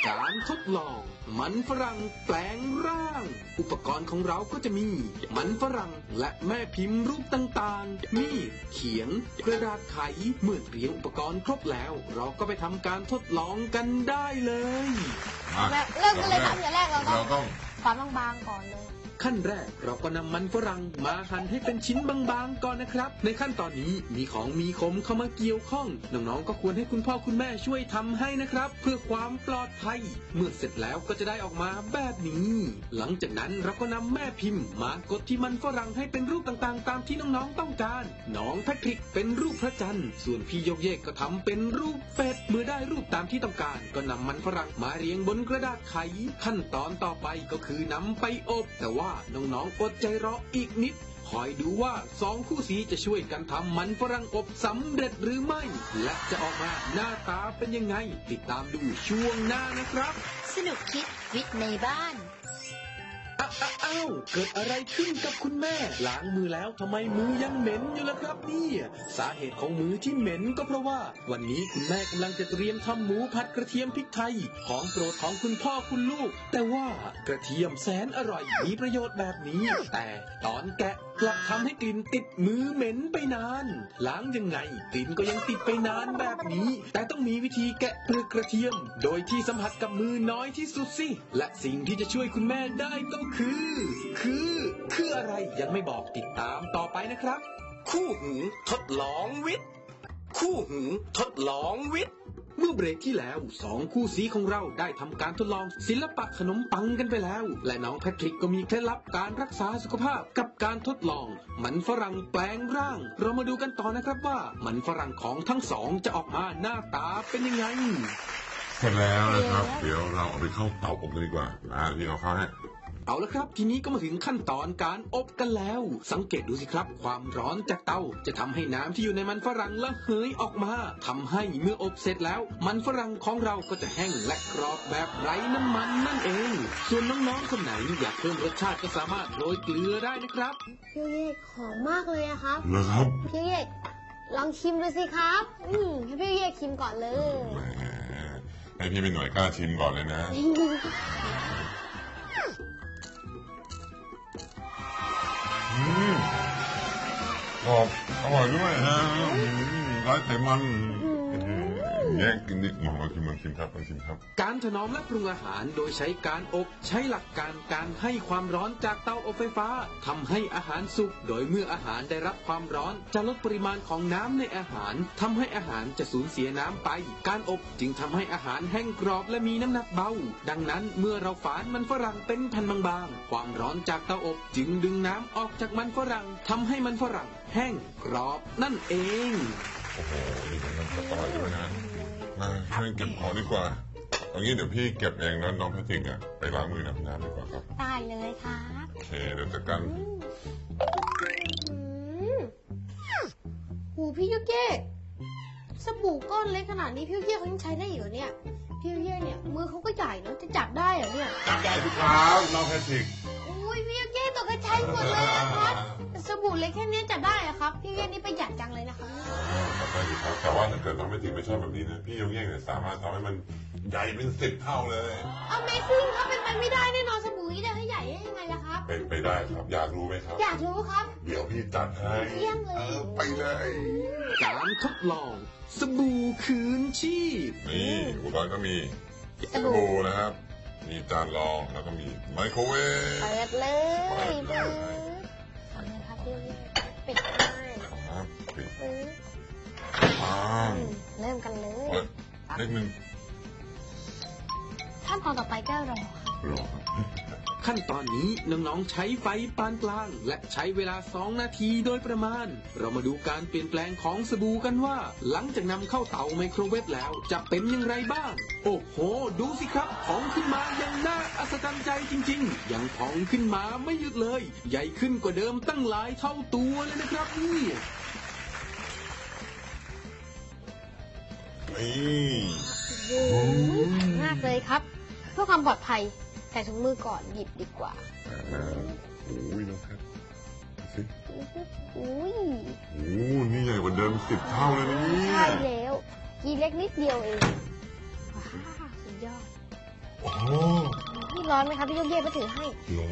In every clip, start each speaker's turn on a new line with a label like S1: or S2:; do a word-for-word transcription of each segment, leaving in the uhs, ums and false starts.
S1: การทดลองมันฝรั่งแปลงร่าง อุปกรณ์ของเราก็จะมีมันฝรั่งและแม่พิมพ์รูปต่างๆมีดเขียงกระดาษไขเมื่อเตรียมอุปกรณ์ครบแล้วเราก็ไปทำการทดลองกันได้เลย
S2: เริ่มกันเลยครับอย่างแรกเราต้องฝานบางๆก่อนเลย
S1: ขั้นแรกเราก็นำมันฝรั่งมาหั่นให้เป็นชิ้นบางๆก่อนนะครับในขั้นตอนนี้มีของมีคมเข้ามาเกี่ยวข้องน้องๆก็ควรให้คุณพ่อคุณแม่ช่วยทำให้นะครับเพื่อความปลอดภัยเมื่อเสร็จแล้วก็จะได้ออกมาแบบนี้หลังจากนั้นเราก็นำแม่พิมพ์มากดที่มันฝรั่งให้เป็นรูปต่างๆตามที่น้องๆต้องการน้องแพทริกเป็นรูปพระจันทร์ส่วนพี่โยกเยกก็ทำเป็นรูปเป็ดเมื่อได้รูปตามที่ต้องการก็นำมันฝรั่งมาเรียงบนกระดาษไขขั้นตอนต่อไปก็คือนำไปอบแต่ว่าน้องๆอดใจรออีกนิดคอยดูว่าสองคู่สีจะช่วยกันทำมันฝรั่งอบสำเร็จหรือไม่และจะออกมาหน้าตาเป็นยังไงติดตามดูช่วงหน้านะครับ
S3: สนุกคิดวิทย์ในบ้าน
S1: อ้าวเกิดอะไรขึ้นกับคุณแม่ล้างมือแล้วทำไมมือยังเหม็นอยู่ล่ะครับเนี่ยสาเหตุของมือที่เหม็นก็เพราะว่าวันนี้คุณแม่กำลังจะเตรียมทำหมูผัดกระเทียมพริกไทยของโปรดของคุณพ่อคุณลูกแต่ว่ากระเทียมแสนอร่อยมีประโยชน์แบบนี้แต่ตอนแกะกลับทำให้กลิ่นติดมือเหม็นไปนานล้างยังไงกลิ่นก็ยังติดไปนานแบบนี้แต่ต้องมีวิธีแกะเปลือกกระเทียมโดยที่สัมผัสกับมือน้อยที่สุดสิและสิ่งที่จะช่วยคุณแม่ได้ก็คือคือคืออะไรยังไม่บอกติดตามต่อไปนะครับคู่หูทดลองวิทย์คู่หูทดลองวิทย์เมื่อเบรกที่แล้วสองคู่สีของเราได้ทำการทดลองศิลปะขนมปังกันไปแล้วและน้องแพทริกก็มีเคล็ดลับการรักษาสุขภาพกับการทดลองมันฝรั่งแปลงร่างเรามาดูกันต่อนะครับว่ามันฝรั่งของทั้งสองจะออกมาหน้าตาเป็นยังไง
S4: เสร็จแล้วนะครับเดี๋ยวเราเอาไปเข้าเตาอบกันดีกว่าอ่าพี่เอาเข้าให้
S1: เอาละครับทีนี้ก็มาถึงขั้นตอนการอบกันแล้วสังเกตดูสิครับความร้อนจากเตาจะทำให้น้ำที่อยู่ในมันฝรั่งระเหยออกมาทำให้เมื่ออบเสร็จแล้วมันฝรั่งของเราก็จะแห้งและกรอบแบบไร้น้ำมันนั่นเองส่วนน้องๆคนไหนอยากเพิ่มรสชาติก็สามารถโรยเกลือได้นะครับ
S2: พี่เอกหอมมากเลยอะครับ
S4: เหรอครับ
S2: พี่เอกลองชิมดูสิครับอืมให้พี่เอกชิมก่อนเลย
S4: แหมให้พี่เป็นหน่วยกล้าชิมก่อนเลยนะอืมกรอบอร่อยด้วยนะไร้ไขมันแย่งกินนิดหน่อยชิมลองชิมครับลองชิมครับ
S1: การถนอมและปรุงอาหารโดยใช้การอบใช้หลักการการให้ความร้อนจากเตาอบไฟฟ้าทำให้อาหารสุกโดยเมื่ออาหารได้รับความร้อนจะลดปริมาณของน้ำในอาหารทำให้อาหารจะสูญเสียน้ำไปการอบจึงทำให้อาหารแห้งกรอบและมีน้ำหนักเบาดังนั้นเมื่อเราฝานมันฝรั่งเป็นแผ่นบางๆความร้อนจากเตาอบจึงดึงน้ำออกจากมันฝรั่งทำให้มันฝรั่งแห้งกรอบนั่นเอง
S4: โอ้โหนี่มันอร่อยด้วยนะมาช่วยเก็บของดีกว่าเอางี้เดี๋ยวพี่เก็บเองแล้วน้องแพทริกอ่ะไปล้างมือน้ำน้ำดีกว่าครับ
S2: ได้เลยครับ
S4: โอเคเดี๋ยวจัดการ
S2: หูพี่ยุกเย่สบู่ก้อนเล็กขนาดนี้พี่ยุกเย่เขายังใช้ได้อยู่เนี่ยพี่ยุกเย่เนี่ยมือเขาก็ใหญ่เนาะจะจับได้เหรอเนี่ย
S4: จับได้ทุกครั้งน้องแพทริก
S2: อุ้ยพี่ยุกเย่ตกกระชัยหมดเลยครับสบู่เล็กแค่นี้จับได้อะครับพี่ยุกเย่นี่ประหยัดจังเลยนะครับ
S4: จับได้ดีครับแต่ว่าถ้าเกิดน้องแพทริกไม่ชอบแบบนี้นะพี่ยุกเย่เนี่ยสามารถทำให้มันใหญ่เป็นสิบเท่าเลย
S2: Amazing ครับเป็นไปไม่ได้แน่นอนสบู่นี้จะให้ใหญ่ได้ยังไงล่ะครับ
S4: เป็นไปได้ครับอยากรู้ไหมครับ
S2: อยากรู้ครับ
S4: เดี๋ยวพี่จัดให้
S2: เยี่ยมเลย
S4: เออไปเลย
S1: การทดลองสบู่คืนชีพ
S4: นี่อุปกรณ์ก็มีสบู่นะครับมีจานรองแล้วก็มีไมโครเวฟ
S2: เปิดเลยเปิดเลยทำเลยครับพี่ปิดเลย
S4: ครับปิด
S2: เริ่มกันเลย
S4: เล็กหนึ่ง
S2: ขั้นตอนต่อไปก็รอ
S4: รอ
S1: ขั้นตอนนี้น้องๆใช้ไฟปานกลางและใช้เวลาสองนาทีโดยประมาณเรามาดูการเปลี่ยนแปลงของสบู่กันว่าหลังจากนำเข้าเตาไมโครเวฟแล้วจะเป็นอย่างไรบ้างโอ้โหดูสิครับพองขึ้นมาอย่างน่าอัศจรรย์ใจจริงๆยังพองขึ้นมาไม่หยุดเลยใหญ่ขึ้นกว่าเดิมตั้งหลายเท่าตัวเลยนะครับนี่
S2: มากเลยครับเพื่อความปลอดภัยใส่ถุงมือก่อนหยิบดีกว่า
S4: โอ้ยน้องแพทสิ
S2: อุ้ย
S4: โอ้นี่ใหญ่กว่าเดิมสิบเท่าเลยนะนี่
S2: ใช่แล้วกีเล็กนิดเดียวเองว้าวสุดยอด
S4: โอ้
S2: นี่ร้อนไหมครับพี่โยกเย่ไปถือให้
S4: ร้อน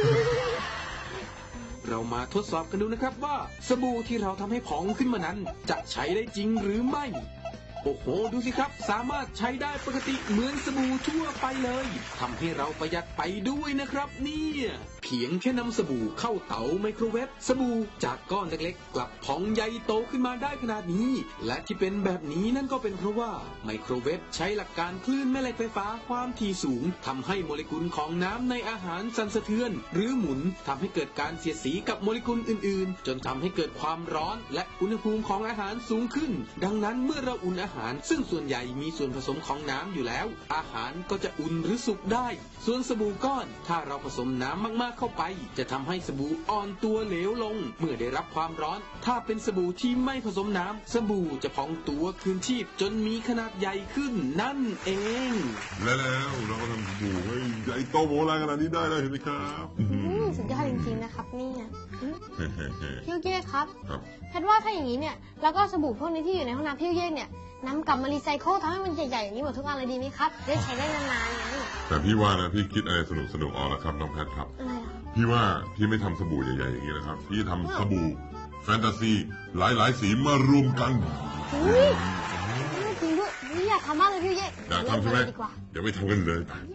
S1: เรามาทดสอบกันดูนะครับว่าสบู่ที่เราทำให้พองขึ้นมานั้นจะใช้ได้จริงหรือไม่ โอ้โหดูสิครับสามารถใช้ได้ปกติเหมือนสบู่ทั่วไปเลยทำให้เราประหยัดไปด้วยนะครับเนี่ยเพียงแค่นำสบู่เข้าเตาไมโครเวฟสบู่จากก้อนเล็กๆกลับพองใหญ่โตขึ้นมาได้ขนาดนี้ และที่เป็นแบบนี้นั่นก็เป็นเพราะว่าไมโครเวฟใช้หลักการคลื่นแม่เหล็กไฟฟ้าความถี่สูงทำให้โมเลกุลของน้ำในอาหารสั่นสะเทือน หรือหมุนทำให้เกิดการเสียดสีกับโมเลกุลอื่นๆ จนทำให้เกิดความร้อนและอุณหภูมิของอาหารสูงขึ้น ดังนั้นเมื่อเราอุ่นอาหารซึ่งส่วนใหญ่มีส่วนผสมของน้ำอยู่แล้ว อาหารก็จะอุ่นหรือสุกได้ ส่วนสบู่ก้อนถ้าเราผสมน้ำมากๆเข้าไปจะทำให้สบู่อ่อนตัวเหลวลง เมื่อได้รับความร้อน ถ้าเป็นสบู่ที่ไม่ผสมน้ำสบู่จะพองตัวคืนชีพจนมีขนาดใหญ่ขึ้นนั่นเอง
S4: และแล้วเราก็ทำสบู่ให้ใหญ่โตโมลานขนาดนี้ได้แล้วเห็นไหมครับ
S2: อืมสุดยอดจริงๆนะครับเนี่ยอืม
S4: เฮ้เฮ้เฮ้
S2: พี่โยกเย่ครับ
S4: ครับ
S2: แพทย์ว่าถ้าอย่างนี้เนี่ยแล้วก็สบู่พวกนี้ที่อยู่ในห้องน้ำพี่โยกเย่เนี่ยนำกลับมารีไซเคิลทำให้มันใหญ่ๆอย่างนี้หมดทุกอันเลยดีไหมครับจะได้ใช้ได้นานๆไง
S4: แต่พี่ว่านะพี่คิดอะไรสนุกสนุกออกแล้วครับน้องแพทครับ
S2: อะไรอ่ะ
S4: พี่ว่าพี่ไม่ทำสบู่ใหญ่ๆอย่างนี้นะครับ พี่ทำสบู่แฟนตาซีหลายๆสีมารวมกัน
S2: อุ้ยจริงด้วยนี่อยากทำมากเลยพี่โยกเย่
S4: อยากทำใช่ไหม
S2: ดีกว่า
S4: เดี๋ยวไปทำกันเลย